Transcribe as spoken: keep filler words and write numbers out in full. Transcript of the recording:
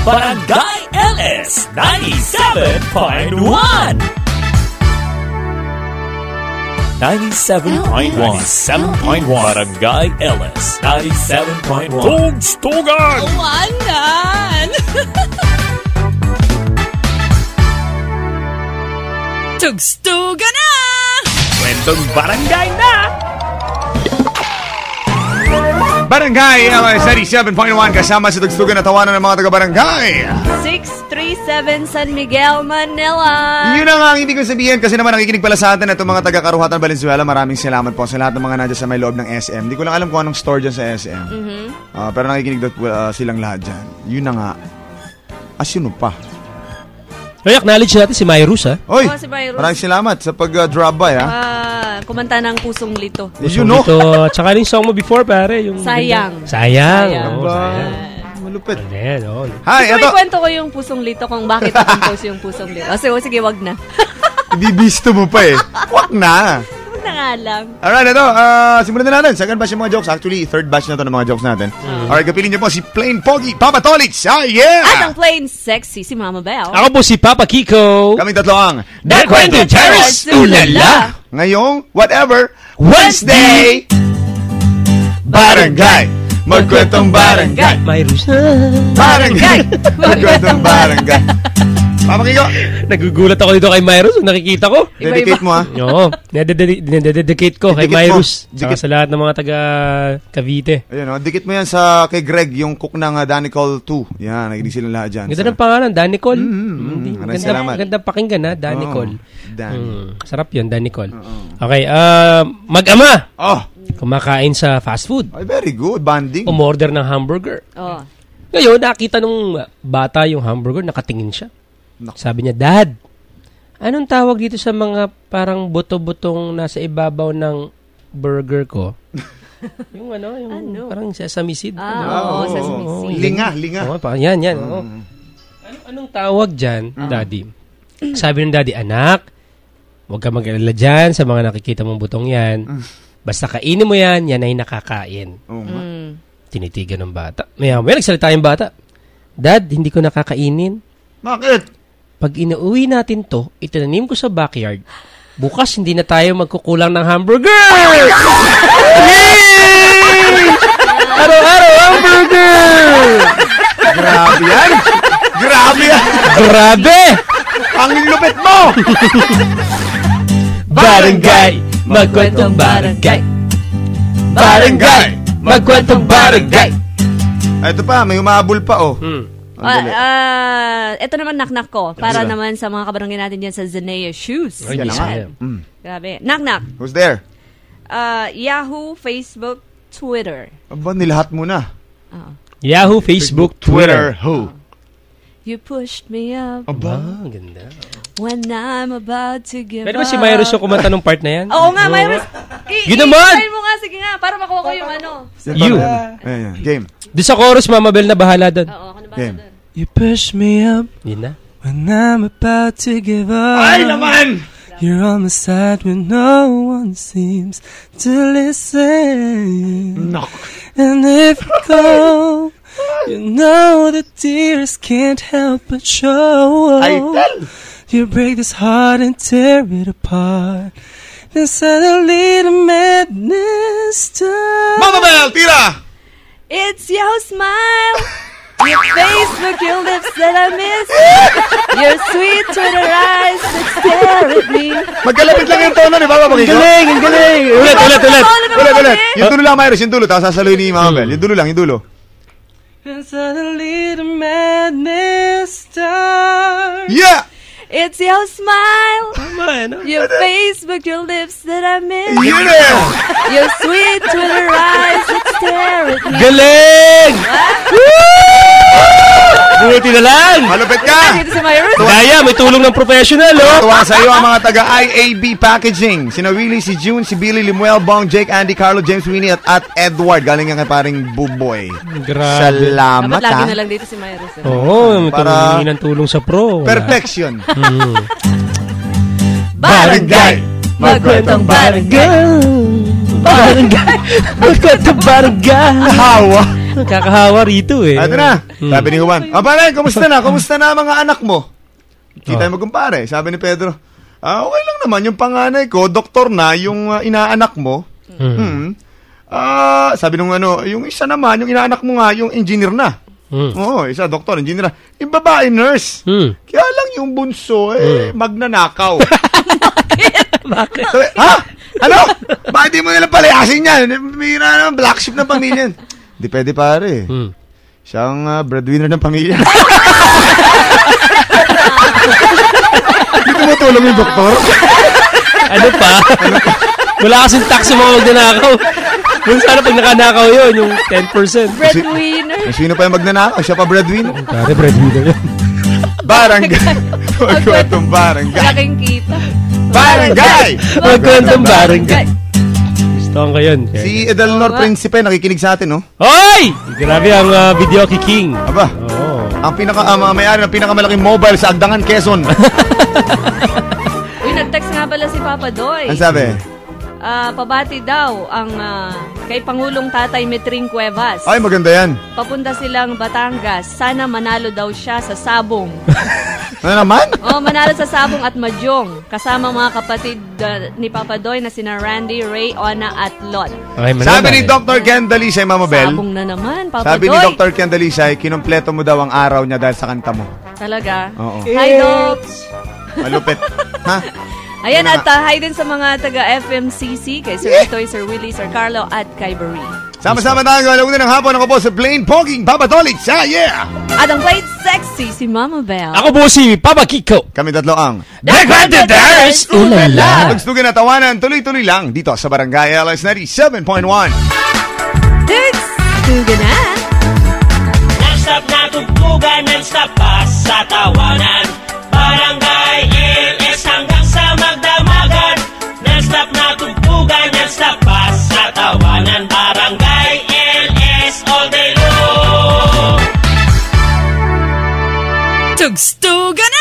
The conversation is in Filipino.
Barangay L S ninety-seven point one. ninety-seven point one. ninety-seven point one. Barangay L S ninety-seven point one. Tugstugan! Tawanan! Tugstugan na! Kwentong barangay na! Barangay L S ninety-seven point one kasama sa Tugstugan na tawanan ng mga taga-barangay. six three seven San Miguel, Manila. Yun ang hindi ko sabihin kasi naman nakikinig pala sa atin itong mga taga-Karuhatan Valenzuela. Maraming salamat po sa lahat ng mga nandiyan sa may loob ng S M. Hindi ko lang alam kung anong store dyan sa S M. Mm-hmm. Uh, pero nakikinig doon uh, silang lahat dyan. Yun na nga. Asino pa? Ay, acknowledge natin si Myrus, ha? Oy, oh, si Myrus. Maraming salamat sa pag-drop uh, by, ha? Ah, kumanta ng Pusong Lito. You know? Ito, tsaka yung song mo before, pare. Yung Sayang. Sayang. Sayang. Oh, sayang. Malupit. Ayan, oh. Hi, Gusto ito. may kwento ko yung Pusong Lito kung bakit na-compose yung Pusong Lito. O, sige, sige, wag na. Ibibisto mo pa eh. Wag na. Wag na nga lang. Alright, ito. Uh, simulan na natin. Second batch yung mga jokes. Actually, third batch na to ng mga jokes natin. Mm. Alright, kapilin niyo po si Plain Pogi, Papa Tolits. Ah, yeah! At ang plain sexy, si Mama Belle. Ako po si Papa Kiko. Kaming tatlo ang The Kwento Terrace, ulala! Ngayong, whatever, Wednesday! Barangay! Magkwentong barangay! Myrus. Barangay! Magkwentong barangay! Papa Kiko! Nagugulat ako dito kay Myrus. Nakikita ko. Dedicate mo, ha? Oo. Dedicate ko kay Didikit mo. Myrus. Tsaka Dikit. sa lahat ng mga taga Cavite. Ayun, oh, dikit mo yan sa kay Greg, yung cook ng uh, Danicol two. Yan, nakinig sila lahat dyan. Ganda ng pangalan, Danicol. Mm, mm, Mm, maraming ganda, salamat. ganda pakinggan, ha? Danicol. Oh, Dan. Mm, sarap yun, Danicol. Okay, uh, mag-ama. Oh, Kumakain sa fast food. ay, very good. Banding. Umorder ng hamburger. Oh. Ngayon, nakita nung bata yung hamburger, nakatingin siya. Sabi niya, Dad, anong tawag dito sa mga parang buto-butong nasa ibabaw ng burger ko? Yung ano, yung Ano? parang sesame seed. Ah, ano? oo, Oo, sesame oo. seed. Linga, linga. Oo, parang yan, yan. oo. Anong, anong tawag dyan, Daddy? Sabi ng Daddy, anak, huwag ka mag-alala dyan sa mga nakikita mong butong yan. Basta kainin mo yan, yan ay nakakain. Oo nga. Mm. Tinitigan ng bata. May, may nagsalita yung bata. Dad, hindi ko nakakainin. Bakit? Pag inuwi natin to, itinanim ko sa backyard. Bukas, hindi na tayo magkukulang ng hamburger! Yay! Araw-araw, hamburger! Grabe yan! Grabe yan! Grabe! Ang lupit mo! Barangay, magkwentong barangay. Barangay, magkwentong barangay. Ay, ito pa, may umabol pa, oh. Hmm. Ang Ah, dali. ah, ito naman knock-knock ko. Para Sila. naman sa mga kabarangay natin dyan sa Zenea Shoes. Ay, Yan na nga. Yan. Mm. Grabe. Knock-knock. Who's there? Uh, Yahoo, Facebook, Twitter. Aba, nilahat mo na. Oh. Yahoo, Facebook, Twitter. Who? You pushed me up Aba. Ah, ganda. when I'm about to give Pwede ba up. si Myrus yung kumanta ng part na yan? Oo nga, Myrus. I- Yun naman! i-try mo nga, sige nga, para makuha ko yung ano. You. Ayan, yan. Game. Doon sa chorus, Mama Bel, na bahala doon. Oo, ako na ba Game. doon? You push me up Yun na. when I'm about to give up. Ay, naman! You're on my side when no one seems to listen. No. And if you go, you know the tears can't help but show. Ay, tell! You break this heart and tear it apart. Then suddenly the madness starts. Mama Bell, tira! It's your smile, your Facebook, your lips that I miss, your sweet Twitter eyes that stare at me. Magkalapit lang yung tono ni Papa Pakiko. Galing, ang galing. Ulit, ulit, ulit. Ulit, ulit. Yung dulo lang, Myrus. Yung dulo. Tapos sasaluhin ni Mama Bell. Yung dulo lang, yung dulo. And suddenly the madness starts. Yeah! It's your smile, Tama, ano? your Facebook, your lips that I miss, Yun eh! your sweet Twitter eyes that stare at me. Galing! Buti na lang! Malupit ka! Dito si Myrus. Kaya, may tulong ng professional, oh! Tuwa sa iyo ang mga taga I A B Packaging. Sina Willie, si June, si Billy, Limuel, Bong, Jake, Andy, Carlo, James, Winnie, at, at Edward. Galing yan kay paring Buboy. Grabe. Salamat, Dapat lagi ha? na lang dito si Myrus. eh. Oo, may Para- tulong ng tulong sa pro. Wala. Perfection. Mm. Barangay! Magkwentong barangay. Barangay! Magkwentong barangay! Hawa! Kakahawa rito eh. Ito na. Hmm. Sabi ni Juan, ah, pare, kumusta na? Kumusta na mga anak mo? Kita mo kumpare. Sabi ni Pedro, ah, okay lang naman. Yung panganay ko, doktor na, yung uh, inaanak mo. Hmm. Hmm. Ah, sabi nung ano, yung isa naman, yung inaanak mo nga, yung engineer na. Hmm. Oo, isa doktor, engineer na. Yung babae, nurse. Hmm. Kaya lang yung bunso, eh, Hmm. magnanakaw. Bakit? Sabi, ha? Ano? Bakit di mo nila palayasin yan? Mira naman, black sheep ng pamilya. Di pwede pare. Hmm. Siyang uh, breadwinner ng pamilya. Hindi tumutulong yung doktor. Ano pa? Wala kasing tax sa mga magnanakaw. Kung sana pag nakanakaw yun, yung ten percent. Breadwinner. Eh, sino pa yung magnanakaw? Siya pa breadwinner. Kaya breadwinner yun. Barangay. Magkwentong barangay. Laking kita. Barangay! Magkwentong barangay. Gusto ko yun. Si Edelnor Principe nakikinig sa atin, no? Hoy! Grabe ang uh, video kay King. Aba, Oo. ang pinaka, uh, mga may-ari ng pinakamalaking mobile sa Agdangan, Quezon. Uy, nag-text nga pala si Papa Doy. Ang sabi? Ah, pabati daw ang ah, kay Pangulong Tatay Metring Cuevas. Ay, maganda yan. Papunta silang Batangas. Sana manalo daw siya sa sabong. Ano naman? Oh, manalo sa sabong at mahjong. Kasama mga kapatid ah, ni Papa Doy na sina Randy, Ray, Ona at Lot. Okay, Sabi ni Doctor Ken Dalisay, Mama Bell. Sabong na naman, Papa Sabi Doy. ni Doctor Ken Dalisay, kinumpleto mo daw ang araw niya dahil sa kanta mo. Talaga? Oo. Hi, Doc. Malupit. Ha? Ayan, Ano at uh, hi din sa mga taga-F M C C, kay Sir Itoy, Sir Willie, Sir Carlo, at kay Barry. Sama-sama tayo gawin ng hapon. Ako po sa Plain Poging Papa Tolits. Ah, yeah! At ang played sexy, si Mama Bell. Ako po si Papa Kiko. Kami tatlo ang The Granddaders! Ulala! Pagstugan na tawanan, tuloy-tuloy lang dito sa Barangay L S ninety-seven point one. Dudes, tuga na. Non-stop na tugtugan, non-stop pa sa tawanan. Barangay L S hanggang sa magdamagan. Non-stop na tugtugan, non-stop pa sa tawanan. Barangay L S all day long. Tugstuga na!